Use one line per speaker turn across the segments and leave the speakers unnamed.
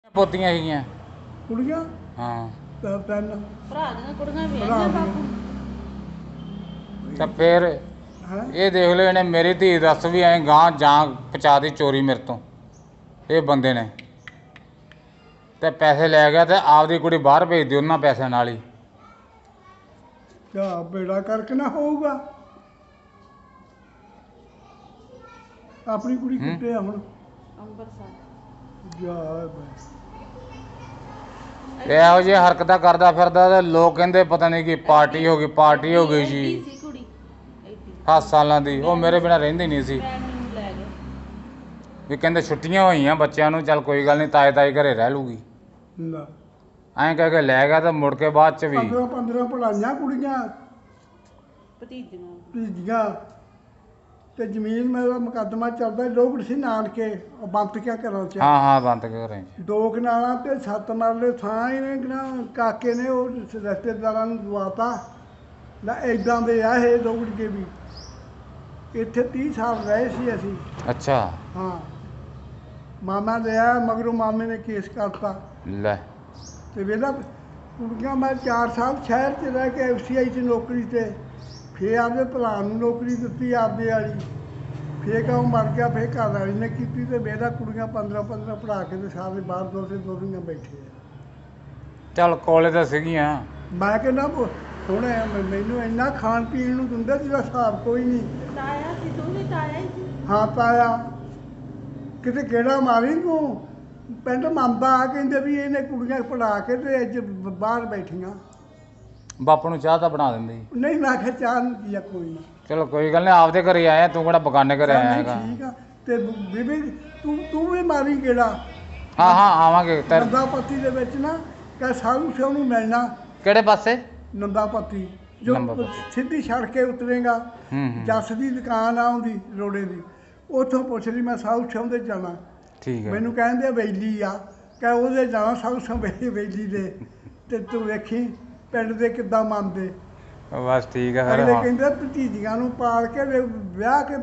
ਪੋਤੀਆਂ ਸੀਗੀਆਂ
ਕੁੜੀਆਂ
ਹਾਂ
ਤਾਂ ਤਿੰਨ
ਭਰਾ ਦੀਆਂ ਕੁੜੀਆਂ
ਭਰਾ
ਵਿਆਹੀਆਂ
ਦੀਆਂ।
ਬਾਪੂ
ਤਾਂ ਫਿਰ
ਹੈਂ
ਇਹ ਦੇਖ ਲਓ ਇਹਨੇ ਮੇਰੀ ਧੀ ਦੱਸ ਵੀ ਐਂ ਗਾਂ ਜਾਂ ਪਹੁੰਚਾ ਦੀ ਚੋਰੀ ਮੇਰੇ ਤੋਂ ਇਹ ਬੰਦੇ ਨੇ ਤੇ ਪੈਸੇ ਲੈ ਗਿਆ ਤੇ ਆਪਦੀ ਕੁੜੀ ਬਾਹਰ ਭੇਜ ਦਿਓ ਉਹਨਾਂ ਪੈਸਿਆਂ ਨਾਲ ਹੀ।
ਕਿਆ ਬੇੜਾ ਕਰਕੇ ਨਾ ਹੋਊਗਾ। ਆਪਣੀ ਕੁੜੀ
ਹੂੰ।
ਕਿੱਥੇ ਆ ਹੁਣ?
ਅੰਬਰਸਰ
ਜਾ ਬਸ
ਤੇ ਇਹੋ ਜਿਹੀ ਹਰਕਤਾਂ ਕਰਦਾ ਫਿਰਦਾ ਤੇ ਲੋਕ ਕਹਿੰਦੇ ਪਤਾ ਨਹੀਂ ਕੀ ਪਾਰਟੀ ਹੋ ਗਈ ਜੀ।
ਸੀ ਕੁੜੀ 80
7 ਸਾਲਾਂ ਦੀ ਉਹ ਮੇਰੇ ਬਿਨਾਂ ਰਹਿੰਦੀ ਨਹੀਂ ਸੀ
ਮੈਂ ਨੂੰ ਲੈ ਗਏ
ਵੀ ਕਹਿੰਦੇ ਛੁੱਟੀਆਂ ਹੋਈਆਂ ਬੱਚਿਆਂ ਨੂੰ ਚੱਲ ਕੋਈ ਗੱਲ ਨਹੀਂ ਤਾਏ ਤਾਏ ਘਰੇ ਰਹਿ ਲੂਗੀ
ਲੈ
ਐਂ ਕਹਿ ਕੇ ਲੈ ਗਿਆ ਤਾਂ ਮੁੜ ਕੇ ਬਾਅਦ ਚ ਵੀ
15 ਪੜਾਈਆਂ ਕੁੜੀਆਂ
ਭਤੀਜੀਆਂ
ਭੀਜੀਆਂ ਤੇ ਜ਼ਮੀਨ ਮੇਰਾ ਮੁਕੱਦਮਾ ਚੱਲਦਾ ਲੋਕ ਸੀ ਨਾਨਕੇ ਉਹ ਬੰਤ ਕਿਆ ਘਰਾਂ ਚ
ਹਾਂ ਬੰਦ ਕਰੇ
2 ਕਨਾਲਾਂ ਤੇ 7 ਮਰਲੇ ਥਾਂ ਇਹਨੇ ਨਾ ਕਾਕੇ ਨੇ ਉਹ ਰਿਸ਼ਤੇਦਾਰਾਂ ਨੂੰ ਦਵਾਤਾ ਨਾ ਇਦਾਂ ਦੇ ਆ ਇਹ ਲੋਕੜੀਏ ਵੀ ਇੱਥੇ 30 ਸਾਲ ਰਹੇ ਸੀ ਅਸੀਂ।
ਅੱਛਾ
ਹਾਂ ਮਾਮਾ ਲਿਆ ਮਗਰੋਂ ਮਾਮੇ ਨੇ ਕੇਸ ਕਰਤਾ
ਲੈ
ਤੇ ਵੇਲਾ ਕੁੜੀਆਂ ਮੈਂ 4 ਸਾਲ ਸ਼ਹਿਰ 'ਚ ਰਹਿ ਕੇ FCI 'ਚ ਨੌਕਰੀ ਤੇ ਫੇਰ ਆਪਦੇ ਭਰਾ ਨੂੰ ਨੌਕਰੀ ਦਿੱਤੀ ਆਪਦੇ ਵਾਲੀ ਫੇਰ ਕਹੂੰ ਮਰ ਗਿਆ ਫੇਰ ਘਰ ਵਾਲੀ ਨੇ ਕੀਤੀ ਤੇ ਮੇਰਾ ਕੁੜੀਆਂ 15 ਪੜ੍ਹਾ ਕੇ ਤੇ ਸਾਰੇ ਬਾਹਰ ਦੋਦੀਆਂ ਬੈਠੇ ਆ।
ਚੱਲ ਕੋਲੇ ਤਾਂ ਸੀਗੀਆਂ
ਮੈਂ ਕਹਿੰਦਾ ਸੋਹਣੇ ਮੈਨੂੰ ਇੰਨਾ ਖਾਣ ਪੀਣ ਨੂੰ ਦਿੰਦਾ ਜਿਹਦਾ ਹਿਸਾਬ ਕੋਈ ਨਹੀਂ।
ਤਾਇਆ ਸੀ ਤੂੰ ਵੀ ਤਾਇਆ ਹੀ ਸੀ
ਹਾਂ ਤਾਇਆ ਕਿਤੇ ਕਿਹੜਾ ਮਾਰੀ ਤੂੰ ਪਿੰਡ ਮੰਨਦਾ ਕਹਿੰਦੇ ਵੀ ਇਹਨੇ ਕੁੜੀਆਂ ਪੜ੍ਹਾ ਕੇ ਤੇ ਅੱਜ ਬਾਹਰ ਬੈਠੀਆਂ।
ਬਾਪੂ ਨੂੰ ਚਾਹ ਤਾਂ ਬਣਾ ਦਿੰਦੀ
ਨਹੀਂ ਮੈਂ ਕਿਹਾ ਚਾਹ ਨਹੀਂ ਪੀਆ ਕੋਈ ਨਾ।
ਚਲੋ ਕੋਈ ਗੱਲ ਨਹੀਂ ਆਪਦੇ ਘਰੇ ਆਇਆ ਤੂੰ ਕਿਹੜਾ ਬਗਾਨੇ ਘਰੇ ਆਇਆ ਹੈਗਾ।
ਠੀਕ ਆ ਤੇ ਬੀਬੀ ਤੂੰ ਵੀ ਮਾਰੀ ਕਿਹੜਾ
ਹਾਂ ਆਵਾਂਗੇ
ਨੰਦਾ ਪੱਤੀ ਦੇ ਵਿੱਚ ਨਾ ਕਹ ਸਾਧੂ ਸਿਓ ਨੂੰ ਮਿਲਣਾ।
ਕਿਹੜੇ ਪਾਸੇ?
ਨੰਦਾ ਪੱਤੀ ਜੋ
ਨੰਦਾ ਪੱਤੀ।
ਸਿੱਧੀ ਸੜਕ ਕੇ ਉਤਰੇਗਾ
ਹੂੰ
ਜੱਸ ਦੀ ਦੁਕਾਨ ਆ ਉਹਦੀ ਰੋੜੇ ਦੀ ਉੱਥੋਂ ਪੁੱਛ ਲਈ ਮੈਂ ਸਾਧੂ ਸਿਓ ਦੇ ਜਾਣਾ।
ਠੀਕ ਹੈ
ਮੈਨੂੰ ਕਹਿੰਦੇ ਬੈਲੀ ਆ ਕਹ ਉਹਦੇ ਜਾਣਾ ਸਾਧੂ ਸਿਓ ਬੈਲੀ ਦੇ ਤੇ ਤੂੰ ਵੇਖੀ ਪਿੰਡ ਦੇ ਕਿੱਦਾਂ ਮੰਨਦੇ।
ਬਸ ਠੀਕ ਹੈ ਫਿਰ
ਅਗਲੇ
ਹਾਂ।
ਕਹਿੰਦੇ ਭਤੀਜੀਆਂ ਨੂੰ ਪਾਲ ਕੇ ਵਿਆਹ ਕੇ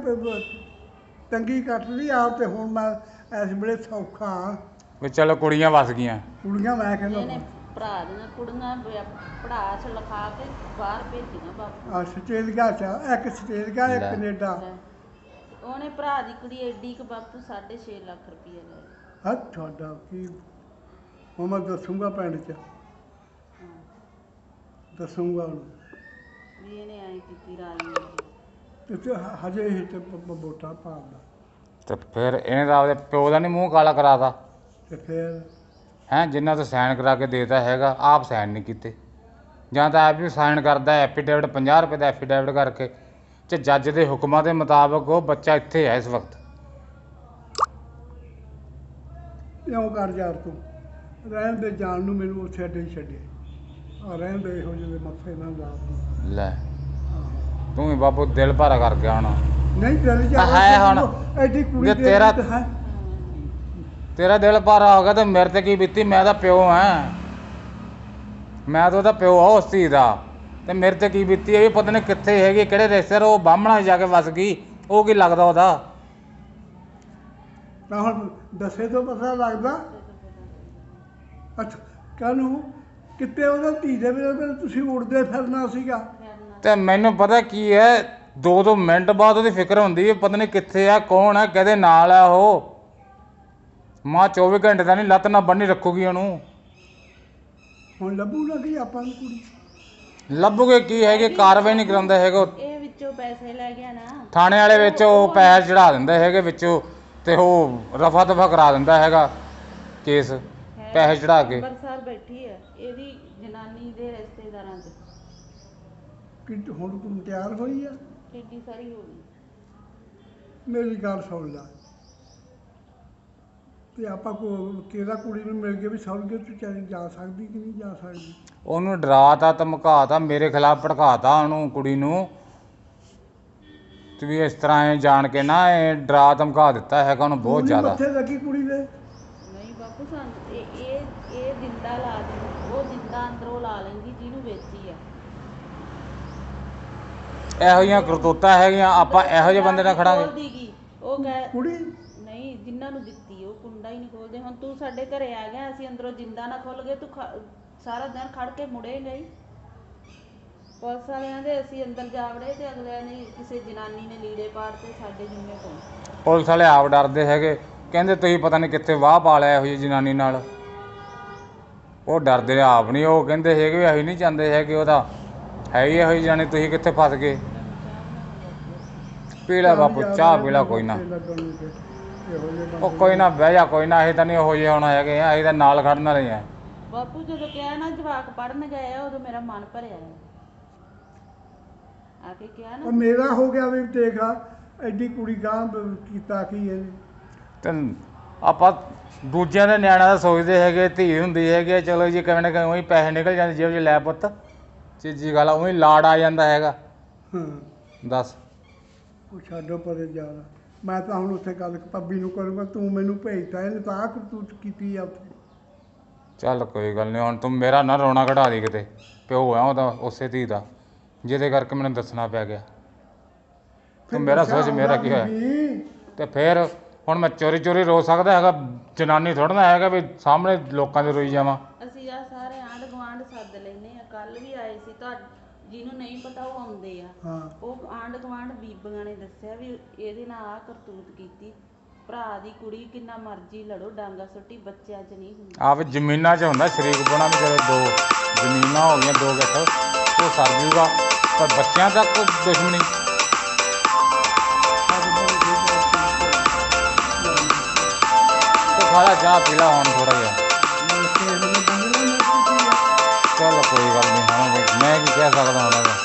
ਤੰਗੀ ਕੱਟ ਲਈ ਆਪ ਤੇ ਹੁਣ ਮੈਂ ਇਸ ਵੇਲੇ ਸੌਖਾ ਹਾਂ।
ਵੀ ਚਲੋ ਕੁੜੀਆਂ ਵਸ ਗਈਆਂ
ਕੁੜੀਆਂ ਮੈਂ ਕਹਿੰਦਾ
ਇਹਨੇ ਭਰਾ ਦੀਆਂ ਕੁੜੀਆਂ ਪੜ੍ਹਾ ਚ ਲਿਖਾ ਕੇ ਬਾਹਰ ਭੇਜੀਆਂ ਬਾਪੂ
ਆਸਟ੍ਰੇਲੀਆ ਚ ਇੱਕ ਆਸਟ੍ਰੇਲੀਆ ਇੱਕ
ਲੈ।
ਕੈਨੇਡਾ।
ਲੈ। ਉਹਨੇ ਭਰਾ ਦੀ ਕੁੜੀ ਐਡੀ ਕਿ ਬਾਪੂ 6.5 ਲੱਖ ਰੁਪਏ ਲੈ
ਹਾਂ ਤੁਹਾਡਾ ਕੀ ਹੁਣ ਮੈਂ ਦੱਸੂਗਾ ਪਿੰਡ ਚ
ਹਾਂ
ਦੱਸੂਗਾ ਉਹਨੂੰ
ਵੀ ਇਹਨੇ ਐਂ ਕੀਤੀ ਰਾਜੀ
ਤੇ ਹਜੇ ਇਹ ਤੇ ਵੋਟਾਂ ਪਾਉਂਦਾ
ਤੇ ਫਿਰ ਇਹਨੇ ਤਾਂ ਆਪਦੇ ਪਿਓ ਦਾ ਨਹੀਂ ਮੂੰਹ ਕਾਲਾ ਕਰਾਤਾ
ਤੇ ਫਿਰ
ਹੈਂ ਜਿੰਨਾ ਤੋਂ ਸਾਈਨ ਕਰਾ ਕੇ ਦੇਤਾ ਹੈਗਾ ਆਪ ਸਾਈਨ ਨਹੀਂ ਕੀਤੇ ਜਾਂ ਤਾਂ ਆਪ ਵੀ ਸਾਈਨ ਕਰਦਾ ਐਫੀਡੇਵਿਟ 50 ਰੁਪਏ ਦਾ ਐਫੀਡੇਵਿਟ ਕਰਕੇ ਤੇ ਜੱਜ ਦੇ ਹੁਕਮਾਂ ਦੇ ਮੁਤਾਬਕ ਉਹ ਬੱਚਾ ਇੱਥੇ ਹੈ ਇਸ ਵਕਤ।
ਇਉਂ ਕਰ ਯਾਰ ਤੂੰ ਰਹਿਣ ਦੇ ਜਾਣ ਨੂੰ ਮੈਨੂੰ ਉੱਥੇ ਅੱਡੇ ਹੀ ਛੱਡੇ ਆ ਰਹਿਣ ਦੇ ਇਹੋ ਜਿਹੇ ਮੱਥੇ ਨਾਲ ਲਾ ਤੂੰ।
ਲੈ ਤੂੰ ਵੀ ਬਾਪੂ ਦਿਲ ਭਾਰਾ ਕਰ ਗਿਆ ਹੁਣ।
ਨਹੀਂ ਚੱਲ ਜਾ
ਹੈ ਹੁਣ।
ਐਡੀ ਕੁੜੀ
ਜੇ
ਦੇ
ਤੇਰਾ-
ਵਿੱਚ ਹੈ
ਤੇਰਾ ਦਿਲ ਭਾਰਾ ਹੋ ਗਿਆ ਤੇ ਮੇਰੇ ਤੇ ਕੀ ਬੀਤੀ? ਮੈਂ ਤਾਂ ਪਿਓ ਹਾਂ, ਮੈਂ ਤਾਂ ਉਹਦਾ ਪਿਓ ਆ ਉਸ ਧੀ ਦਾ ਤੇ ਮੇਰੇ ਤੇ ਕੀ ਬੀਤੀ ਇਹ ਵੀ ਪਤਾ ਨਹੀਂ ਕਿੱਥੇ ਹੈਗੀ ਕਿਹੜੇ ਰਿਸ਼ਤੇਦਾਰ ਉਹ ਬਾਹਮਣਾ ਜਾ ਕੇ ਵਸ ਗਈ ਉਹ ਕੀ ਲੱਗਦਾ ਉਹਦਾ।
ਤਾਂ ਹੁਣ ਦੱਸੇ ਤੋਂ ਪਤਾ ਲੱਗਦਾ। ਅੱਛਾ ਕਾਹਨੂੰ ਕਿਤੇ ਉਹਦਾ ਧੀ ਦੇ ਵੇਲੇ ਤੁਸੀਂ ਉੜਦੇ ਫਿਰਨਾ ਸੀਗਾ।
ਤੇ ਮੈਨੂੰ ਪਤਾ ਕੀ ਹੈ 2 ਮਿੰਟ ਬਾਅਦ ਉਹਦੀ ਫਿਕਰ ਹੁੰਦੀ ਹੈ ਪਤਾ ਨਹੀਂ ਕਿੱਥੇ ਆ ਕੌਣ ਆ ਕਿਹਦੇ ਨਾਲ ਆ ਉਹ। ਮਾਂ 24 ਘੰਟੇ ਤਾਂ ਨਹੀਂ ਲੱਤ ਨਾ ਬੰਨੀ ਰੱਖੂਗੀ ਉਹਨੂੰ।
ਹੁਣ ਲੱਭੂ ਨਾ ਕਿ ਆਪਾਂ ਨੂੰ ਕੁੜੀ
ਲੱਭੂਗੇ ਕੀ ਹੈਗੇ ਕਾਰਵਾਈ ਨਹੀਂ ਕਰਾਉਂਦਾ ਹੈਗਾ ਉਹ।
ਇਹ ਵਿੱਚੋਂ ਪੈਸੇ ਲੈ ਗਿਆ ਨਾ
ਥਾਣੇ ਵਾਲੇ ਵਿੱਚ ਉਹ ਪੈਸੇ ਚੜਾ ਦਿੰਦੇ ਹੈਗੇ ਵਿੱਚੋਂ ਤੇ ਉਹ ਰਫਾ ਦਫਾ ਕਰਾ ਦਿੰਦਾ ਹੈਗਾ ਕੇਸ ਪੈਸੇ ਚੜਾ ਕੇ।
ਅੰਬਰਸਰ ਬੈਠੀ ਹੈ ਇਹਦੀ ਜਨਾਨੀ ਦੇ ਰਿਸ਼ਤੇਦਾਰਾਂ ਚ
ਕਿ ਹੁਣ ਤੂੰ ਤਿਆਰ ਹੋਈ ਆ।
ਕਿੱਡੀ ਸਾਰੀ ਹੋ ਗਈ
ਮੇਰੀ ਗੱਲ ਸੁਣ ਲੈ ਤੇ ਆਪਾਂ ਕਿਹਦਾ ਕੁੜੀ ਨੂੰ ਮਿਲ ਕੇ ਵੀ ਸੌਰਗੇ ਤੂੰ ਚਾਹੇ ਜਾ ਸਕਦੀ ਕਿ ਨਹੀਂ ਜਾ ਸਕਦੀ।
ਉਹਨੂੰ ਡਰਾਤਾ ਧਮਕਾਤਾ ਮੇਰੇ ਖਿਲਾਫ ਭੜਕਾਤਾ ਉਹਨੂੰ ਕੁੜੀ ਨੂੰ ਤੇ ਵੀ ਇਸ ਤਰ੍ਹਾਂ ਇਹ ਜਾਣ ਕੇ ਨਾ ਇਹ ਡਰਾ ਧਮਕਾ ਦਿੱਤਾ ਹੈਗਾ ਉਹਨੂੰ ਬਹੁਤ
ਕੁੜੀ
ਜ਼ਿਆਦਾ।
ਮੱਥੇ ਲੱਗੀ ਕੁੜੀ ਦੇ
ਨਹੀਂ ਬਾਪੂ ਸਾਨੂੰ ਇਹ ਜਿੰਦਾ ਲਾ ਦੇ ਉਹ ਜਿੰਦਾ ਅੰਦਰੋਂ ਲਾ ਲੈਂਦੀ ਜਿਹਨੂੰ ਵੇਚੀ ਆ।
ਇਹੋ ਜਿਹੀਆਂ ਕਰਤੂਤਾਂ ਹੈਗੀਆਂ ਆਪਾਂ ਇਹੋ ਜਿਹੇ ਬੰਦੇ ਨਾਲ ਖੜਾਂਗੇ।
ਬੋਲਦੀ ਗੀ, ਉਹ ਕਹਿ
ਕੁੜੀ
ਨਹੀਂ ਜਿਨ੍ਹਾਂ ਨੂੰ ਦਿੱਤੀ ਉਹ ਕੁੰਡਾ ਹੀ ਨਹੀਂ ਖੋਲਦੇ। ਹੁਣ ਤੂੰ ਸਾਡੇ ਘਰੇ ਆ ਗਿਆ, ਅਸੀਂ ਅੰਦਰੋਂ ਜਿੰਦਾ ਨਾ ਖੁੱਲ ਗਏ, ਤੂੰ ਸਾਰਾ ਦਿਨ ਖੜ ਕੇ ਮੁੜੇਂਗਾ ਹੀ। ਪੁਲਿਸ ਵਾਲਿਆਂ ਦੇ ਅਸੀਂ ਅੰਦਰ ਜਾ ਵੜੇ ਤੇ ਅਗਲਿਆਂ ਨੇ ਕਿਸੇ ਜਨਾਨੀ ਨੇ ਲੀੜੇ ਪਾੜਤੇ, ਸਾਡੇ ਜਿੰਮੇ ਕੋਲ।
ਪੁਲਿਸ ਵਾਲੇ ਆਪ ਡਰਦੇ ਹੈਗੇ, ਕਹਿੰਦੇ ਤੁਸੀਂ ਪਤਾ ਨਹੀਂ ਕਿੱਥੇ ਵਾਹ ਪਾ ਲਿਆ ਇਹੋ ਜਿਹੀ ਜਨਾਨੀ ਨਾਲ। ਉਹ ਡਰਦੇ ਆਪ ਨਹੀਂ, ਉਹ ਕਹਿੰਦੇ ਹੈਗੇ ਵੀ ਅਸੀਂ ਨਹੀਂ ਚਾਹੁੰਦੇ ਹੈਗੇ, ਉਹ ਤਾਂ ਹੈ ਹੀ ਇਹੋ ਜਿਹੀ ਜਨਾਨੀ, ਤੁਸੀਂ ਕਿੱਥੇ ਫਸ ਗਏ। ਪੀ ਲੈ ਬਾਪੂ ਚਾਹ ਪੀ ਲੈ, ਕੋਈ ਨਾ। ਉਹ ਕੋਈ ਨਾ ਬਹਿ ਜਾ, ਕੋਈ ਨਾ, ਅਸੀਂ ਤਾਂ ਨਹੀਂ ਉਹੋ ਜਿਹੇ ਹੁਣ ਹੈਗੇ ਆ, ਅਸੀਂ ਤਾਂ ਨਾਲ ਖੜਨ ਵਾਲੇ ਆ।
ਬਾਪੂ ਜਦੋਂ ਕਿਹਾ ਨਾ ਜਵਾਕ ਪੜਨ ਗਏ ਆ, ਉਦੋਂ ਮੇਰਾ ਮਨ ਭਰਿਆ ਆ ਕੇ ਕਿਹਾ ਨਾ।
ਮੇਰਾ ਹੋ ਗਿਆ ਵੀ ਦੇਖ ਐਡੀ ਕੁੜੀ ਗਾਂ ਕੀਤਾ ਕੀ ਇਹਨੇ।
ਤੇ ਆਪਾਂ ਦੂਜਿਆਂ ਦੇ ਨਿਆਣਿਆਂ ਦਾ ਸੋਚਦੇ ਹੈਗੇ, ਧੀ ਹੁੰਦੀ ਹੈਗੀ, ਚਲੋ ਜੀ ਕਿਵੇਂ ਨਾ ਕਿਵੇਂ ਉਹੀ ਪੈਸੇ ਨਿਕਲ ਜਾਂਦੇ ਜੇਬ 'ਚ, ਲੈ ਪੁੱਤ ਚੀਜੀ ਗੱਲ, ਉਹੀ ਲਾੜ ਆ ਜਾਂਦਾ ਹੈਗਾ। ਦੱਸ
ਉਹ ਛੱਡੋ ਪਰੇ ਜ਼ਿਆਦਾ। ਮੈਂ ਤਾਂ ਹੁਣ ਉੱਥੇ ਗੱਲ ਪੱਬੀ ਨੂੰ ਕਰੂੰਗਾ, ਤੂੰ ਮੈਨੂੰ ਭੇਜਤਾ, ਇਹਨੇ ਤਾਂ ਆਹ ਕਰਤੂਤ ਕੀਤੀ ਆ ਉੱਥੇ।
ਚੱਲ ਕੋਈ ਗੱਲ ਨਹੀਂ, ਹੁਣ ਤੂੰ ਮੇਰਾ ਨਾ ਰੋਣਾ ਕਢਾ ਦੀ ਕਿਤੇ, ਪਿਓ ਆ ਉਹਦਾ ਉਸੇ ਧੀ ਦਾ, ਜਿਹਦੇ ਕਰਕੇ ਮੈਨੂੰ ਦੱਸਣਾ ਪੈ ਗਿਆ। ਤੂੰ ਮੇਰਾ ਸੋਚ, ਮੇਰਾ ਕੀ ਹੋਇਆ। ਤੇ ਫਿਰ ਹੁਣ ਮੈਂ ਚੋਰੀ ਚੋਰੀ ਰੋ ਸਕਦਾ ਹੈਗਾ? ਜਨਾਨੀ ਥੋੜ੍ਹਾ ਨਾ ਹੈਗਾ ਵੀ ਸਾਹਮਣੇ ਲੋਕਾਂ ਦੇ ਰੋਈ ਜਾਵਾਂ।
ਅਸੀਂ ਆ ਸਾਰੇ ਆਂਢ ਗੁਆਂਢ ਸੱਦ ਲੈਨੇ ਆ, ਕੱਲ ਵੀ ਆਏ ਸੀ, ਜਿਹਨੂੰ ਨਹੀਂ ਪਤਾ ਉਹ ਆਉਂਦੇ ਆ। ਉਹ ਆਂਢ ਗੁਆਂਢ ਬੀਬੀਆਂ ਨੇ ਦੱਸਿਆ ਵੀ ਇਹਦੇ ਨਾਲ ਆਹ ਕਰਤੂਤ ਕੀਤੀ। ਭਰਾ ਦੀ ਕੁੜੀ, ਕਿੰਨਾ ਮਰਜ਼ੀ ਲੜੋ, ਡਾਂਗਾ ਸੁੱਟੀ, ਬੱਚਿਆਂ 'ਚ ਨਹੀਂ ਹੁੰਦੀ।
ਆਪ ਜ਼ਮੀਨਾਂ 'ਚ ਹੁੰਦਾ ਸ਼ਰੀਕ ਬਣਾ, ਵੀ ਜਦੋਂ 2 ਜ਼ਮੀਨਾਂ ਹੋ ਗਈਆਂ, 2 ਗੱਠ, ਉਹ ਸਰ ਜੂਗਾ, ਪਰ ਬੱਚਿਆਂ ਤੱਕ ਦੁਸ਼ਮਣੀ। ਤੇ ਖਾਲਾ ਚਾਹ ਪੀ ਲਾ ਹੁਣ ਥੋੜ੍ਹਾ ਜਿਹਾ। ਚੱਲ ਕੋਈ ਗੱਲ ਨਹੀਂ, ਹਾਂ ਬਈ ਮੈਂ ਕੀ ਕਹਿ ਸਕਦਾ ਹੁਣ ਇਹਦਾ।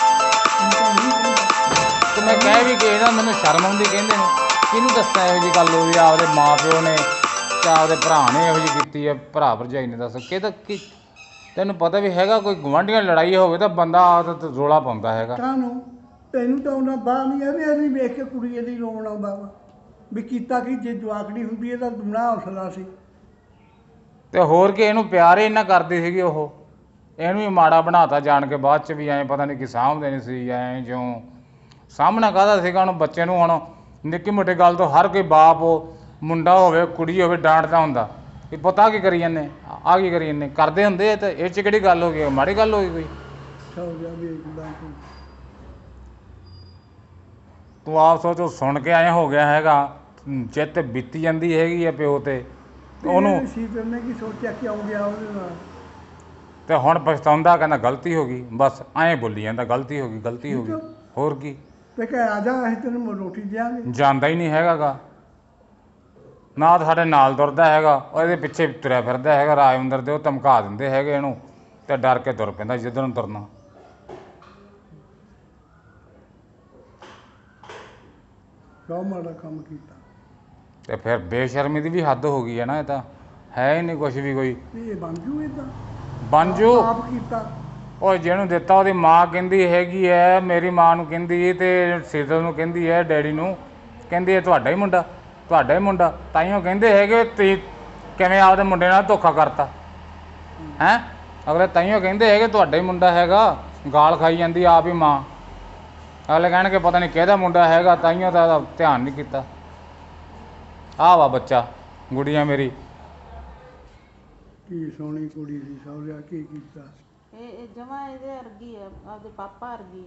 ਤੇ ਮੈਂ ਕਹਿ ਵੀ ਕਿ ਨਾ, ਮੈਨੂੰ ਸ਼ਰਮ ਆਉਂਦੀ, ਕਹਿੰਦੇ ਨੇ ਕਿਹਨੂੰ ਦੱਸਾਂ ਇਹੋ ਜਿਹੀ ਗੱਲ ਹੋਈ, ਆਪਦੇ ਮਾਂ ਪਿਓ ਨੇ ਤੇ ਆਪਦੇ ਭਰਾ ਨੇ ਇਹੋ ਜਿਹੀ ਕੀਤੀ ਹੈ, ਭਰਾ ਭਰਜਾਈ ਨੇ। ਦੱਸ ਕਿ ਤਾਂ ਕੀ ਤੈਨੂੰ ਪਤਾ ਵੀ ਹੈਗਾ, ਕੋਈ ਗੁਆਂਢੀਆਂ ਲੜਾਈ ਹੋਵੇ ਤਾਂ ਬੰਦਾ ਆਦਤ ਰੌਲਾ ਪਾਉਂਦਾ ਹੈਗਾ।
ਕਾਹਨੂੰ ਤੈਨੂੰ ਤਾਂ ਉਹਨਾਂ ਬਾਹਰ ਨਹੀਂ ਆਉਂਦੀ, ਇਹਦੀ ਵੇਖ ਕੇ ਕੁੜੀ ਇਹਦੀ ਰੋਣ ਆਉਂਦਾ ਵਾ ਵੀ ਕੀਤਾ ਕੀ। ਜੇ ਜਵਾਕੜੀ ਹੁੰਦੀ ਇਹਦਾ ਦੁਨਾ ਹੌਸਲਾ ਸੀ।
ਤੇ ਹੋਰ ਕਿ ਇਹਨੂੰ ਪਿਆਰ ਹੀ ਇੰਨਾ ਕਰਦੀ ਸੀਗੀ ਉਹ, ਇਹਨੂੰ ਹੀ ਮਾੜਾ ਬਣਾਤਾ ਜਾਣ ਕੇ, ਬਾਅਦ 'ਚ ਵੀ ਐਂ ਪਤਾ ਨਹੀਂ ਕੀ ਸਾਂਭਦੇ ਨਹੀਂ ਸੀ, ਐਂ ਜਿਉਂ ਸਾਹਮਣਾ ਕਾਹਦਾ ਸੀਗਾ ਉਹਨੂੰ ਬੱਚੇ ਨੂੰ। ਹੁਣ ਨਿੱਕੀ ਮੋਟੀ ਗੱਲ ਤੋਂ ਹਰ ਕੋਈ ਬਾਪ, ਮੁੰਡਾ ਹੋਵੇ ਕੁੜੀ ਹੋਵੇ, ਡਾਂਟਦਾ ਹੁੰਦਾ ਵੀ ਪਤਾ ਕੀ ਕਰੀ ਜਾਂਦੇ, ਆਹ ਕੀ ਕਰੀ ਜਾਂਦੇ, ਕਰਦੇ ਹੁੰਦੇ। ਤੇ ਇਹ 'ਚ ਕਿਹੜੀ ਗੱਲ ਹੋ ਗਈ, ਮਾੜੀ ਗੱਲ ਹੋ ਗਈ ਕੋਈ? ਤੂੰ ਆਪ ਸੋਚ, ਸੁਣ ਕੇ ਐਂ ਹੋ ਗਿਆ ਹੈਗਾ, ਚਿੱਤ ਬੀਤੀ ਜਾਂਦੀ ਹੈਗੀ ਆ ਪਿਓ ਤੇ ਉਹਨੂੰ।
ਸੀਤਲ ਨੇ ਕੀ ਸੋਚਿਆ ਕਿ ਆਉਂ ਗਿਆ ਉਹਦੇ ਨਾਲ।
ਤੇ ਹੁਣ ਪਛਤਾਉਂਦਾ, ਕਹਿੰਦਾ ਗਲਤੀ ਹੋ ਗਈ, ਬਸ ਐਂ ਬੋਲੀ ਜਾਂਦਾ, ਗਲਤੀ ਹੋ ਗਈ, ਗਲਤੀ ਹੋ ਗਈ, ਹੋਰ ਕੀ।
ਤੇ ਕਹਿ ਆ ਜਾ, ਅਸੀਂ ਤੈਨੂੰ ਰੋਟੀ ਦਿਆਂਗੇ।
ਜਾਂਦਾ ਹੀ ਨਹੀਂ ਹੈਗਾ ਗਾ, ਨਾ ਤਾਂ ਸਾਡੇ ਨਾਲ ਤੁਰਦਾ ਹੈਗਾ, ਉਹ ਇਹਦੇ ਪਿੱਛੇ ਤੁਰਿਆ ਫਿਰਦਾ ਹੈਗਾ ਰਾਜਵਿੰਦਰ ਦੇ। ਉਹ ਧਮਕਾ ਦਿੰਦੇ ਹੈਗੇ ਇਹਨੂੰ, ਤੇ ਡਰ ਕੇ ਤੁਰ ਪੈਂਦਾ ਜਿੱਧਰ ਨੂੰ ਤੁਰਨਾ।
ਬਹੁਤ ਮਾੜਾ ਕੰਮ ਕੀਤਾ।
ਤੇ ਫਿਰ ਬੇਸ਼ਰਮੀ ਦੀ ਵੀ ਹੱਦ ਹੋ ਗਈ ਹੈ ਨਾ, ਇਹ ਤਾਂ ਹੈ ਹੀ ਨਹੀਂ ਕੁਛ ਵੀ ਕੋਈ।
ਇਹ ਬਣ ਜੂ ਇਦਾਂ,
ਬਣ ਜੂ।
ਆਪ ਕੀਤਾ।
ਉਹ ਜਿਹਨੂੰ ਦਿੱਤਾ ਉਹਦੀ ਮਾਂ ਕਹਿੰਦੀ ਹੈਗੀ ਹੈ, ਮੇਰੀ ਮਾਂ ਨੂੰ ਕਹਿੰਦੀ, ਤੇ ਸੀਤਲ ਨੂੰ ਕਹਿੰਦੀ ਹੈ, ਡੈਡੀ ਨੂੰ ਕਹਿੰਦੀ ਹੈ, ਤੁਹਾਡਾ ਹੀ ਮੁੰਡਾ, ਤੁਹਾਡਾ ਹੀ ਮੁੰਡਾ। ਤਾਈਓ ਕਹਿੰਦੇ ਹੈਗੇ ਤੁਸੀਂ ਕਿਵੇਂ ਆਪਦੇ ਮੁੰਡੇ ਨਾਲ ਧੋਖਾ ਕਰਤਾ ਹੈਂ। ਅਗਲੇ ਤਾਈਓ ਕਹਿੰਦੇ ਹੈਗੇ ਤੁਹਾਡਾ ਹੀ ਮੁੰਡਾ ਹੈਗਾ, ਗਾਲ ਖਾਈ ਜਾਂਦੀ ਆਪ ਹੀ ਮਾਂ। ਅਗਲੇ ਕਹਿਣਗੇ ਪਤਾ ਨਹੀਂ ਕਿਹਦਾ ਮੁੰਡਾ ਹੈਗਾ, ਤਾਈਓ ਤਾਂ ਇਹਦਾ ਧਿਆਨ ਨਹੀਂ ਕੀਤਾ। ਆਹ ਵਾ ਬੱਚਾ, ਗੁੜੀਆ ਮੇਰੀ।
ਕੀ ਸੋਹਣੀ ਕੁੜੀ ਸੀ, ਸਹੁਰਿਆ ਕੀ ਕੀਤਾ।
ਇਹ ਜਮਾਂ ਇਹਦੇ ਵਰਗੀ ਆ, ਆਪਦੇ ਪਾਪਾ ਵਰਗੀ।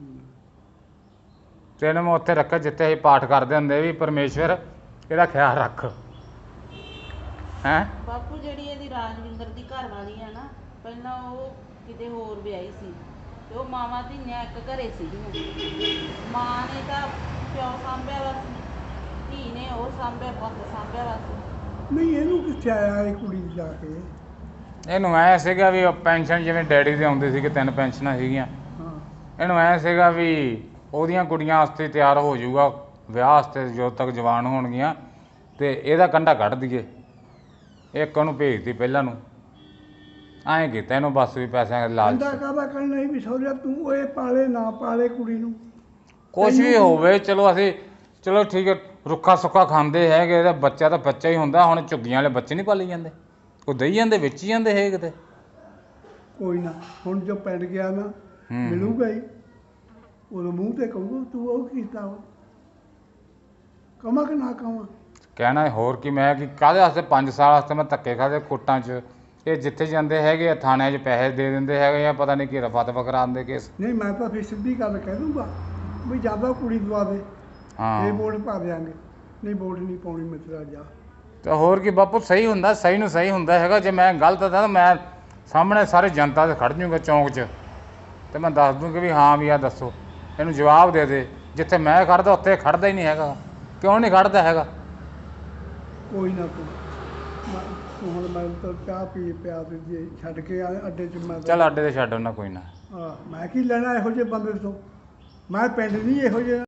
ਤੇ ਇਹਨੂੰ ਮੈਂ ਉੱਥੇ ਰੱਖਿਆ ਜਿੱਥੇ ਅਸੀਂ ਪਾਠ ਕਰਦੇ ਹੁੰਦੇ ਵੀ, ਪਰਮੇਸ਼ਵਰ ਇਹਦਾ ਖਿਆਲ ਰੱਖ ਹੈਂ।
ਬਾਪੂ ਜਿਹੜੀ ਇਹਦੀ ਰਾਜਵਿੰਦਰ ਦੀ ਘਰ ਵਾਲੀ ਆ ਨਾ, ਪਹਿਲਾਂ ਉਹ ਕਿਤੇ ਹੋਰ ਵਿਆਹੀ ਸੀ, ਤੇ ਉਹ ਮਾਵਾਂ ਧੀਆਂ ਇੱਕ ਘਰੇ ਸੀਗੀਆਂ। ਮਾਂ ਨੇ ਤਾਂ ਪਿਓ ਸਾਂਭਿਆ ਵਾ, ਧੀ ਨੇ ਉਹ ਸਾਂਭਿਆ, ਪੁੱਤ ਸਾਂਭਿਆ ਵਾ।
ਨਹੀਂ ਇਹਨੂੰ ਕਿੱਥੇ ਆਇਆ ਇਹ ਕੁੜੀ ਜਾ ਕੇ।
ਇਹਨੂੰ ਐਂ ਸੀਗਾ ਵੀ ਪੈਨਸ਼ਨ ਜਿਵੇਂ ਡੈਡੀ ਦੇ ਆਉਂਦੇ ਸੀਗੇ, 3 ਪੈਨਸ਼ਨਾਂ ਸੀਗੀਆਂ। ਇਹਨੂੰ ਐਂ ਸੀਗਾ ਵੀ ਉਹਦੀਆਂ ਕੁੜੀਆਂ ਵਾਸਤੇ ਤਿਆਰ ਹੋ ਜਾਊਗਾ ਵਿਆਹ ਵਾਸਤੇ, ਜਦੋਂ ਤੱਕ ਜਵਾਨ ਹੋਣਗੀਆਂ, ਤੇ ਇਹਦਾ ਕੰਢਾ ਕੱਢ ਦਈਏ। ਇੱਕ ਉਹਨੂੰ ਭੇਜਤੀ ਪਹਿਲਾਂ ਨੂੰ, ਐਂ ਕੀਤਾ ਇਹਨੂੰ ਬਸ ਵੀ ਪੈਸਿਆਂ ਦੇ ਲਾਲਚ।
ਕੰਢਾ ਕਾਹਦਾ ਕਰਨਾ ਸੀ ਵੀ ਸਹੁਰਿਆ ਤੂੰ ਇਹ ਪਾਲੇ ਨਾ ਪਾਲੇ ਕੁੜੀ ਨੂੰ,
ਕੁਛ ਵੀ ਹੋਵੇ, ਚਲੋ ਅਸੀਂ ਚਲੋ ਠੀਕ ਹੈ, ਰੁੱਖਾ ਸੁੱਕਾ ਖਾਂਦੇ ਹੈਗੇ, ਇਹਦਾ ਬੱਚਾ ਤਾਂ ਬੱਚਾ ਹੀ ਹੁੰਦਾ। ਹੁਣ ਝੁੱਗੀਆਂ ਵਾਲੇ ਬੱਚੇ ਨਹੀਂ ਪਾਲੀ ਜਾਂਦੇ, ਉਹ ਦਈ ਜਾਂਦੇ, ਵਿੱਚ ਹੀ ਜਾਂਦੇ ਹੈ ਕਿਤੇ।
ਕੋਈ ਨਾ, ਹੁਣ ਜੋ ਪਿੰਡ ਗਿਆ ਨਾ ਮਿਲੂਗਾ ਹੀ, ਉਹਦੇ ਮੂੰਹ ਤੇ ਕਹੂਗਾ ਤੂੰ ਉਹ ਕੀਤਾ ਵਾ। ਕਵਾਂ ਕਿ ਨਾ ਕਵਾਂ।
ਕਹਿਣਾ ਹੋਰ ਕੀ, ਮੈਂ ਕਿ ਕਾਹਦੇ ਵਾਸਤੇ 5 ਸਾਲ ਵਾਸਤੇ ਮੈਂ ਧੱਕੇ ਖਾਦੇ ਕੋਰਟਾਂ 'ਚ। ਇਹ ਜਿੱਥੇ ਜਾਂਦੇ ਹੈਗੇ ਆ ਥਾਣਿਆਂ 'ਚ ਪੈਸੇ ਦੇ ਦਿੰਦੇ ਹੈਗੇ ਆ, ਪਤਾ ਨਹੀਂ ਕੀ ਰਫਾ ਦਫਾ ਕਰਾਉਂਦੇ ਕੇਸ।
ਨਹੀਂ ਮੈਂ ਤਾਂ ਫਿਰ ਸਿੱਧੀ ਗੱਲ ਕਹਿ ਦੂੰਗਾ ਵੀ ਜ਼ਿਆਦਾ ਕੁੜੀ ਦਵਾ ਦੇ,
ਹਾਂ
ਇਹ ਵੋਟ ਪਾ ਦਿਆਂਗੇ, ਨਹੀਂ ਵੋਟ ਨਹੀਂ ਪਾਉਣੀ ਮਿੱਤਰਾ ਜਾ।
ਤੇ ਹੋਰ ਕੀ ਬਾਪੂ, ਸਹੀ ਹੁੰਦਾ, ਸਹੀ ਨੂੰ ਸਹੀ ਹੁੰਦਾ ਹੈਗਾ। ਜੇ ਮੈਂ ਗਲਤ ਤਾਂ ਮੈਂ ਸਾਹਮਣੇ ਸਾਰੇ ਜਨਤਾ 'ਤੇ ਖੜ ਜੂੰਗਾ ਚੌਂਕ 'ਚ, ਤੇ ਮੈਂ ਦੱਸ ਦੂੰਗਾ ਵੀ ਹਾਂ ਵੀ ਆ ਦੱਸੋ, ਇਹਨੂੰ ਜਵਾਬ ਦੇ ਦੇ। ਜਿੱਥੇ ਮੈਂ ਖੜਦਾ ਉੱਥੇ ਖੜਦਾ ਹੀ ਨਹੀਂ ਹੈਗਾ। ਕਿਉਂ ਨਹੀਂ ਖੜਦਾ ਹੈਗਾ?
ਕੋਈ ਨਾ ਤੂੰ ਹੁਣ ਮੈਂ ਤਾਂ ਚਾਹ ਪੀ ਪਿਆ ਤੇ ਜੇ ਛੱਡ ਕੇ ਅੱਡੇ 'ਚ ਮੈਂ
ਚੱਲ ਅੱਡੇ 'ਤੇ ਛੱਡ ਉਹਨਾਂ, ਕੋਈ ਨਾ।
ਮੈਂ ਕੀ ਲੈਣਾ ਇਹੋ ਜਿਹੇ ਬੰਦੇ ਤੋਂ, ਮੈਂ ਪਿੰਡ ਨਹੀਂ ਇਹੋ ਜਿਹੇ